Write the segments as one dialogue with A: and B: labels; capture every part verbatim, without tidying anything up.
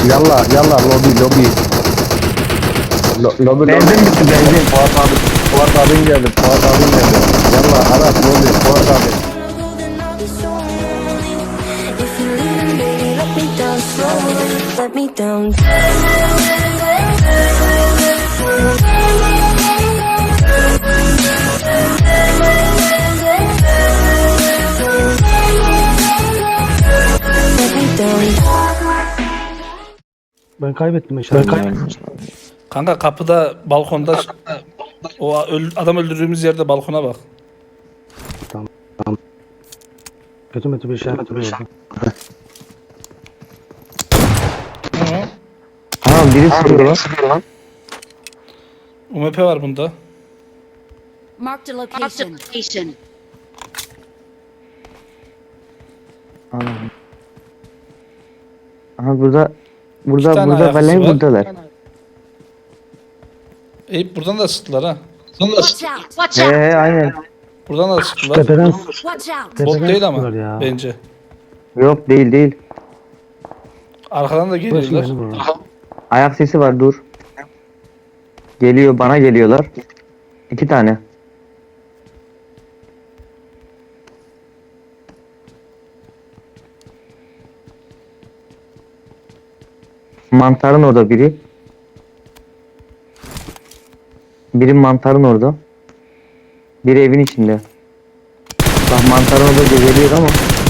A: Yalla yalla lobi lobi. Lo, lobi
B: Benzin
A: lobi.
B: bitti benzin.
A: Fuat abi. Fuat abin geldi. Fuat abin geldi. Yalla Aras lobi. Fuat abi.
C: If you're leaving, baby, let me down slowly. Let me down. Let me down.
D: Ben kaybettim eşyaları. Ben kaybettim.
E: Kanka kapıda balkonda o öl- adam öldürdüğümüz yerde balkona bak.
D: Kötü kötü bir şey yaptım.
E: Hı.
B: Ha biri sıkıyor lan.
E: U M P var bunda.
F: Marked a location.
B: Anladım. Aha burada burada
E: İki tane
B: burada
E: ayakkabısı
B: vallahi
E: var.
B: buradalar.
E: Eyüp buradan da sıktılar ha.
F: Watch out! Watch
B: He
F: out!
B: he aynen.
E: Buradan da sıktılar.
D: Tepeden
F: Watch out!
D: tepeden
E: Bot değil ama
D: sıktılar ya.
E: bence.
B: Yok değil değil.
E: Arkadan da
D: Burası
E: geliyorlar.
D: beni vurdu.
B: Ayak sesi var dur. Geliyor bana geliyorlar. İki tane. Mantarın orada biri. Biri mantarın orada. Biri evin içinde. Bak mantarın orada geliyor ama.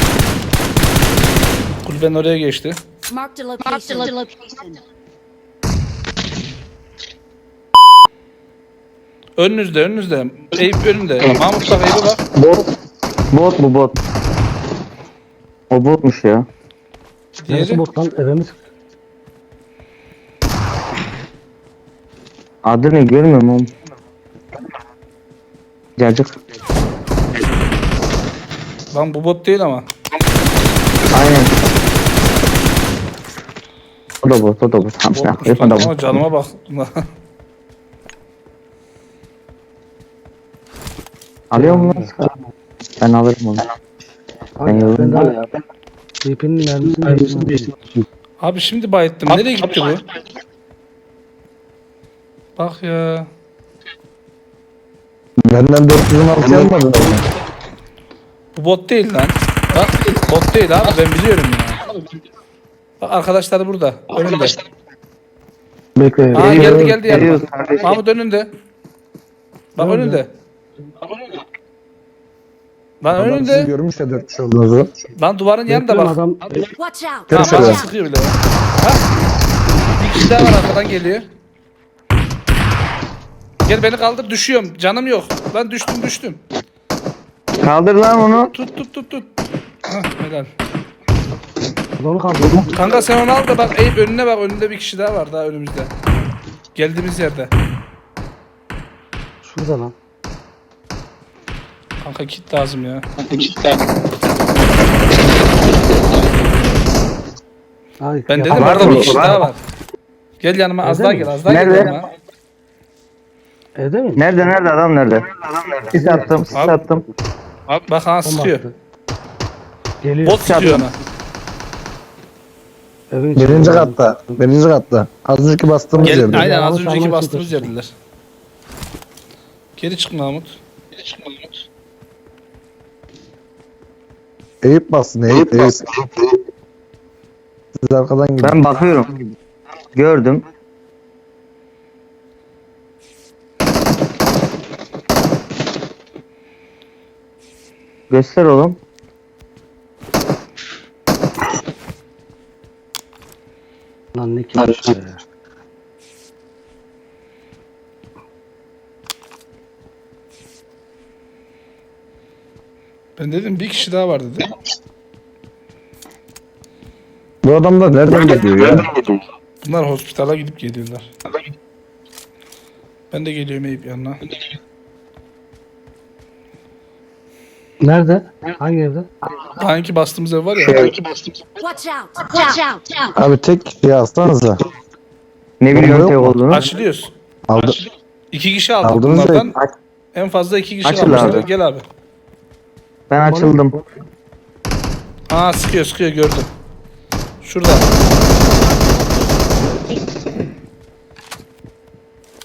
E: Kulübenin oraya geçti.
F: Marked a location.
E: Önünüzde önünüzde. Eyüp önünde. Mahmut bak Eyüp'e bak.
B: Bot. Bot bu bot. O botmuş ya.
E: Diğeri.
D: Neresi bottan eve mi sıktı?
B: Adı ne görmüyorum oğlum. Cacık.
E: Lan bu bot değil ama.
B: Aynen. O da bot, o da bot. Tamam,
E: Botmuş
B: yapma
E: lan
B: da
E: ama
B: bot.
E: canıma bak.
B: Alıyor mu lan? Ben alırım onu. Ben
D: Ben
B: yorum
D: daha D P'nin mermisini mermisini değiştirdim.
E: Abi şimdi bayıttım. Nereye gitti bu? Bak ya.
A: Benden dört yüz on altı almadın mı?
E: Bu bot değil lan. Bak bot değil abi ben biliyorum ya. Bak arkadaşlar burada. Önünde.
D: Bekle.
E: Aa geldi geldi
B: Geliyoruz
E: yanıma.
B: kardeşim.
E: Mahmut önünde. Bak
D: Nerede?
E: önünde. Lan
A: Adam sizi
E: önünde.
A: görmüş de dört kişi olduğunuzu.
E: Lan duvarın yanında
D: Bekle
E: bak.
D: adam.
F: Watch out!
E: Tamam
A: Şöyle.
E: bana sıkıyor bile. Ha? Bir kişi daha var arkadan geliyor. Gel beni kaldır düşüyorum. Canım yok. Lan düştüm düştüm.
B: Kaldır lan onu.
E: Tut tut tut tut. Hah helal.
D: Adamı kaldırdım.
E: Kanka sen onu al da bak Eyüp önüne bak. Önünde bir kişi daha var daha önümüzde. Geldiğimiz yerde.
D: Şurada lan.
E: Kanka kit lazım ya.
D: Ay,
E: Ben dedim
D: yapma.
B: var
E: orada
B: mı?
E: bir kişi
B: Var
E: daha
B: mı?
E: var. Gel yanıma az
D: Evde
E: daha
D: mi?
E: gel az daha
B: Nerede?
E: gel yanıma.
D: Evde mi?
B: Nerede nerede adam nerede? Sis attım, sis
E: Abi.
B: attım.
E: Bak ha
D: Bomba
E: sıkıyor.
D: attı. Geliyor.
E: Bot sıkıyor ona.
D: Evin içinde.
A: Birinci katta. Birinci katta. Az önceki bastığımız
E: Gel,
A: yerde.
E: aynen az
D: Mahmut
E: önceki
D: almaya
E: bastığımız
D: çalışıyor.
E: yerdiler. Geri çık Mahmut. Geri çık Mahmut.
A: Eyüp bastın Eyüp. Eyüp. Siz arkadan gidin.
B: Ben bakıyorum. Gördüm. Göster oğlum.
D: Lan ne kimmiş be.
E: Ben dedim bir kişi daha var dedim.
A: Bu adamlar nereden geliyor ya?
E: Bunlar hospitala gidip geliyorlar. Ben de geliyorum Eyüp yanına.
D: Nerede? Hangi evde?
E: Daha önce bastığımız ev var ya.
F: Watch out! Watch out!
A: Abi tek kişiyi alsanıza.
B: Ne
A: Bomba
B: biliyorum
A: yok
B: tek
A: mu?
B: olduğunu.
E: Açılıyoruz.
A: Aldı.
E: İki kişi aldık
A: Aldınız da-
E: bunlardan.
B: Aç-
E: En fazla iki kişi
B: Açıl
E: kalmışlar.
B: abi.
E: Gel abi.
B: Ben açıldım.
E: Aa sıkıyor sıkıyor gördüm. Şurada.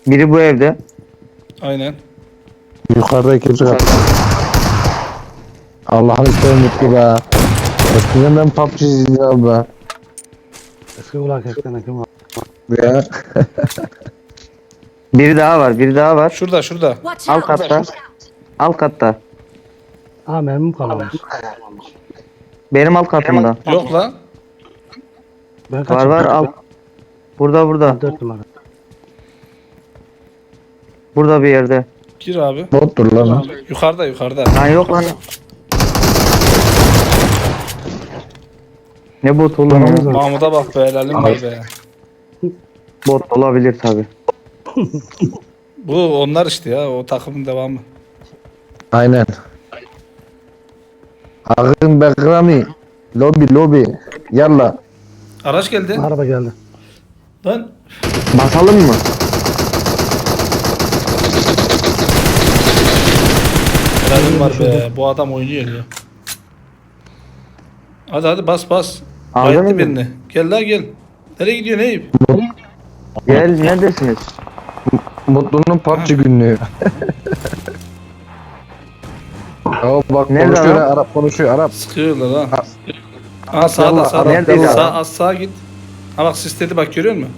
B: Biri bu evde.
E: Aynen.
A: Yukarıda ikinci kat. Allah'ın isteği mutlu be. Eskiden ben P U B G izliyordum be.
D: Eski kulak eskiden kim var?
A: Ya.
B: Biri daha var. Biri daha var.
E: Şurada şurada.
F: Watch
B: Alt
F: out!
B: katta. Alt katta.
D: Ha mermim kalmamış.
B: Benim alt katımda.
E: Yok lan.
D: Ben
B: Var
D: kaçım?
B: var alt. Burada burada.
D: Dört numara.
B: Burada bir yerde.
E: Gir abi.
A: Bottur lan o.
E: Yukarıda yukarıda.
B: Lan yok lan. Ne bot oğlum ya?
E: Mahmut'a bak be, helalim var be.
B: Bot olabilir tabi.
E: Bu onlar işte ya, o takımın devamı.
A: Aynen. Ağın Bekrami. Lobi lobi. Yalla.
E: Araç geldi.
D: Araba geldi.
E: Lan
B: Basalım mı?
E: helalim var be. Bu adam oynuyor ya. Hadi hadi bas bas.
B: Aldın
E: Bayılttı
B: mı?
E: birini. Gel la gel. Nereye gidiyorsun Eyüp?
B: Gel neredesiniz?
A: Mutlu'nun P U B G günlüğü. Aa bak
B: Nerede
A: konuşuyor
B: adam?
A: ha, Arap konuşuyor Arap.
E: Sıkıyorlar ha. Aa sağda
A: Yallah,
E: sağda.
B: neredeydi
E: Sağ,
B: adam?
E: az sağa git. Ha bak sisledi bak, görüyor musun?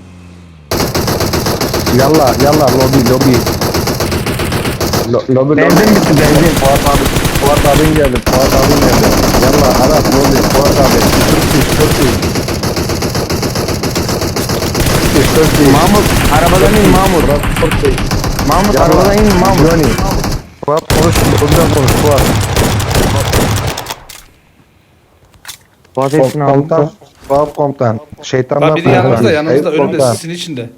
A: Yalla yalla lobi lobi. Lo, lobi lobi.
B: Benzin bitti benzin.
A: Fuat abi. Fuat abin geldi. Fuat abin geldi. Yalla Arap lobi. Fuat abi. Çok iyi çok iyi. Çok iyi.
B: Mahmut arabadan in Mahmut.
A: Fuat çok iyi.
B: Mahmut
A: Yalla.
B: arabadan in Mahmut.
A: Johnny. Fuat konuş. Buradan konuş Fuat.
B: Fuat hepsini aldı.
A: Komutan. Fuat komutan. Şeytanlar.
E: Bak biri yanımızda yanımızda,
A: Eyüp
E: önümde,
A: komutan.
E: sisin içinde.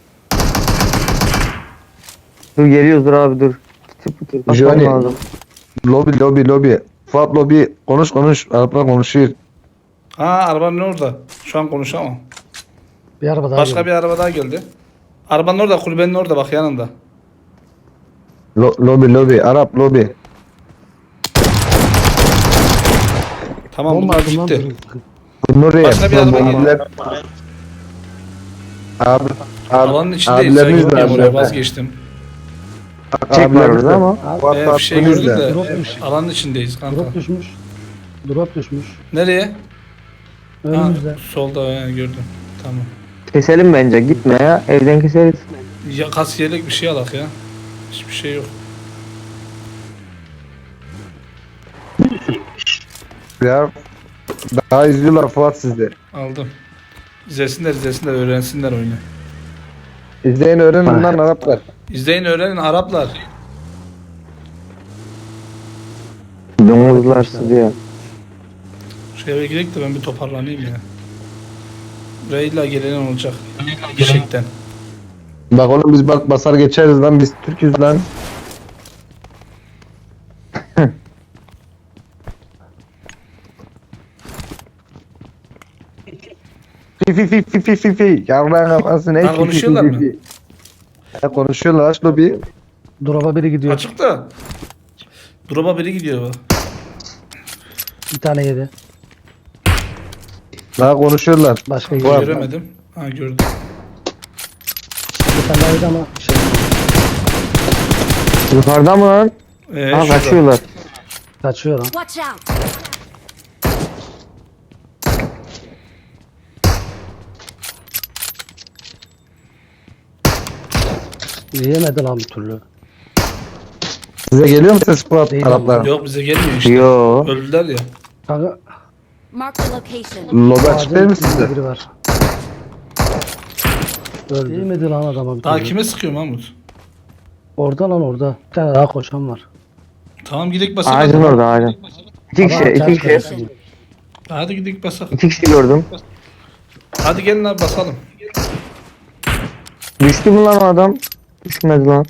B: Dur geliyoruz dur abi dur. Tıp tıp basmam
A: Johnny.
B: lazım.
A: Lobi lobi lobi. Fuat lobi. Konuş konuş. Araplar konuşuyor.
E: Ha arabanın orada. Şu an konuşamam.
D: Bir araba daha
E: Başka
D: geldi.
E: bir araba daha geldi. Arabanın orada, kulübenin orada bak, yanında.
A: Lo, lobi lobi. Arap lobi.
E: Tamam
D: Bomba
E: bunlar
D: aldım lan.
E: gitti.
A: Nuriye.
E: Başka bir araba
A: bombiler- Abi. Abi.
E: Alanın içindeyiz. Sen
A: Abileriniz
E: görmüyorum, oraya
A: nerede?
E: vazgeçtim.
B: Çek var
A: Abileriniz
B: orada
A: de-
B: ama.
A: Fuat
E: Ee, bir şey
A: Fuat'ınız
E: gördüm
A: da.
E: de
D: Drop düşmüş.
E: alanın içindeyiz kanka.
D: Drop düşmüş. Drop düşmüş.
E: Nereye? Ha,
D: Önümüzde.
E: solda he, gördüm. Tamam.
B: Keselim bence gitme ya. Evden keseriz.
E: Ya kasiyerlik bir şey alak ya. Hiçbir şey yok.
A: Ya. Daha izliyorlar Fuat sizde.
E: Aldım. İzlesinler izlesinler, öğrensinler oyunu.
A: İzleyin öğrenin lan Araplar.
E: İzleyin öğrenin Araplar.
B: Domuzlar sızıyor.
E: Şu eve gidelim de ben bir toparlanayım ya. Buraya illa gelen olacak. Gerçekten.
A: Bak oğlum biz bak basar geçeriz lan biz Türk'üz lan. Fi fi fi fi fi fi fi. Yarrağın kafası ne?
E: Ha, konuşuyorlar mı?
A: Ya konuşuyorlar aç lobi.
D: Drop'a biri gidiyor.
E: Açık da. Drop'a biri gidiyor bu.
D: Bir tane yedi.
A: Daha konuşuyorlar.
D: Başka yedi.
A: Var.
E: Göremedim. Ha gördüm.
D: Bir tane daha yedi ama şey.
B: Yukarıda mı lan?
E: Ee,
B: Ha
E: şurada.
B: kaçıyorlar.
D: Kaçıyor lan.
F: Watch out!
D: Yiyemedi lan bir türlü.
A: Size geliyor mu ses Fuat
D: Değil
A: Araplar?
E: Yok bize gelmiyor işte.
B: Yo.
E: Öldüler ya.
D: Kanka
F: Mark the location.
A: Lobi açık değil mi
D: ağacın
A: sizde?
D: içinde biri var. Öldü. Yiyemedi lan adama bir
E: Daha
D: türlü.
E: kime sıkıyor Mahmut?
D: Orada lan orada. Bir tane daha koşan var.
E: Tamam gidelim basalım.
B: Ağacın orada ağacın. İki kişi,
D: Ama
B: iki
D: çarşı
B: kişi.
D: karşısında.
E: Hadi gidelim basalım.
B: İki kişi gördüm.
E: Hadi gelin abi basalım.
B: Düştü mü lan o adam? Düşmedi lan.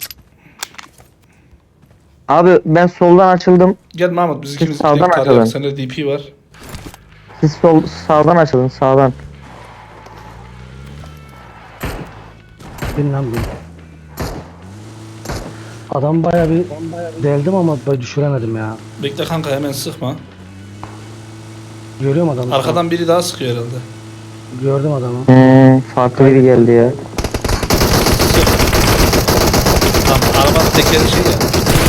B: Abi ben soldan açıldım.
E: Gel Mahmut, biz ikimiz
B: sağdan
E: gidelim,
B: açalım.
E: tarayalım. Sende D P var.
B: Siz sol sağdan açılın sağdan.
D: Bin lan bin. Adam baya bir deldim ama böyle düşüremedim ya.
E: Bekle kanka, hemen sıkma.
D: Görüyorum adamı.
E: Arkadan biri daha sıkıyor herhalde.
D: Gördüm adamı.
B: Hmm, farklı biri geldi ya.
E: teker şey ya.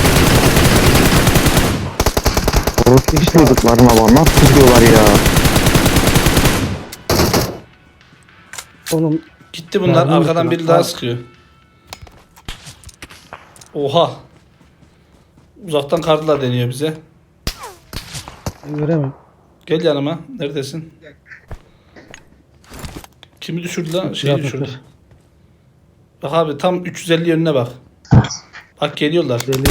B: Orası hiç duyduklarına bak. Nasıl tutuyorlar ya?
D: Oğlum
E: Gitti bunlar.
D: Ya,
E: Arkadan
D: bu-
E: biri daha sıkıyor. Oha. Uzaktan kardılar deniyor bize.
D: ben göremem.
E: Gel yanıma. Neredesin? Kimi düşürdü lan? Şeyi
D: Yapma,
E: düşürdü.
D: dur.
E: Bak abi tam üç yüz elli yönüne bak. Bak geliyorlar.
D: Deli.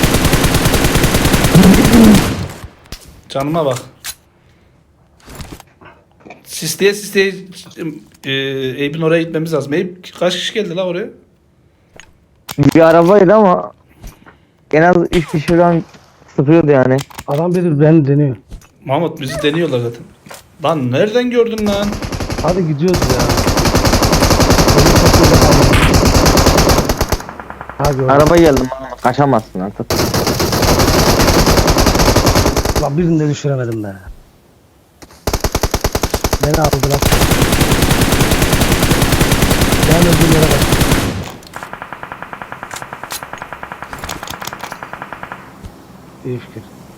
E: Canıma bak. Sisleye sisleye e, Eyüp'ün oraya gitmemiz lazım. Eyüp kaç kişi geldi la oraya?
B: Bir arabaydı ama en az üç kişi falan sıkıyordu yani.
D: Adam biri beni deniyor.
E: Mahmut bizi deniyorlar zaten. Lan nereden gördün lan?
D: Hadi gidiyoruz ya. Beni çekiyorlar abi. Ha gördüm.
B: Araba geldi bana. Kaçamazsın artık.
D: Lan birini de düşüremedim be. Beni aldılar. Ben öldüğüm yere bak. İyi fikir.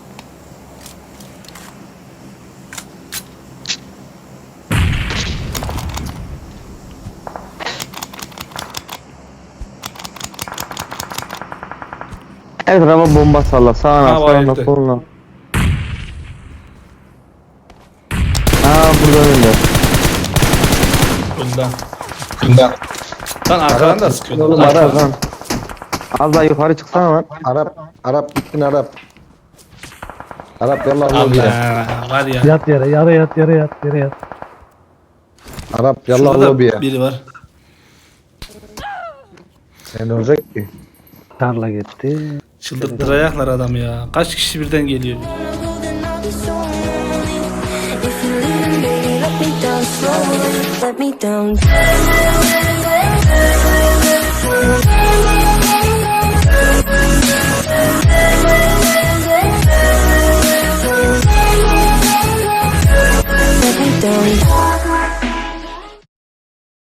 B: Her tarafa bomba salla. Sağına,
E: Ha, var
B: sağına,
E: evde.
B: soluna. Aa burada önünde.
E: Önden. Önden. Lan arkadan da sıkıyorlar.
A: Oğlum,
E: Arkadan.
A: Arap.
B: Lan. Az daha yukarı çıksana lan.
A: Arap, Arap gittin Arap. Arap yallah lobiye.
E: Allah var ya.
D: Yat yere, yere yat, yere yat, yere yat.
A: Arap yallah
E: Şurada
A: lobiye.
E: biri var.
A: Ne olacak ki?
D: Tarla gitti.
E: Çıldırttırayaklar adam ya. Kaç kişi birden geliyor.
C: Then I'll be so lonely. If you're leaving, baby, let me down slowly. Let me down.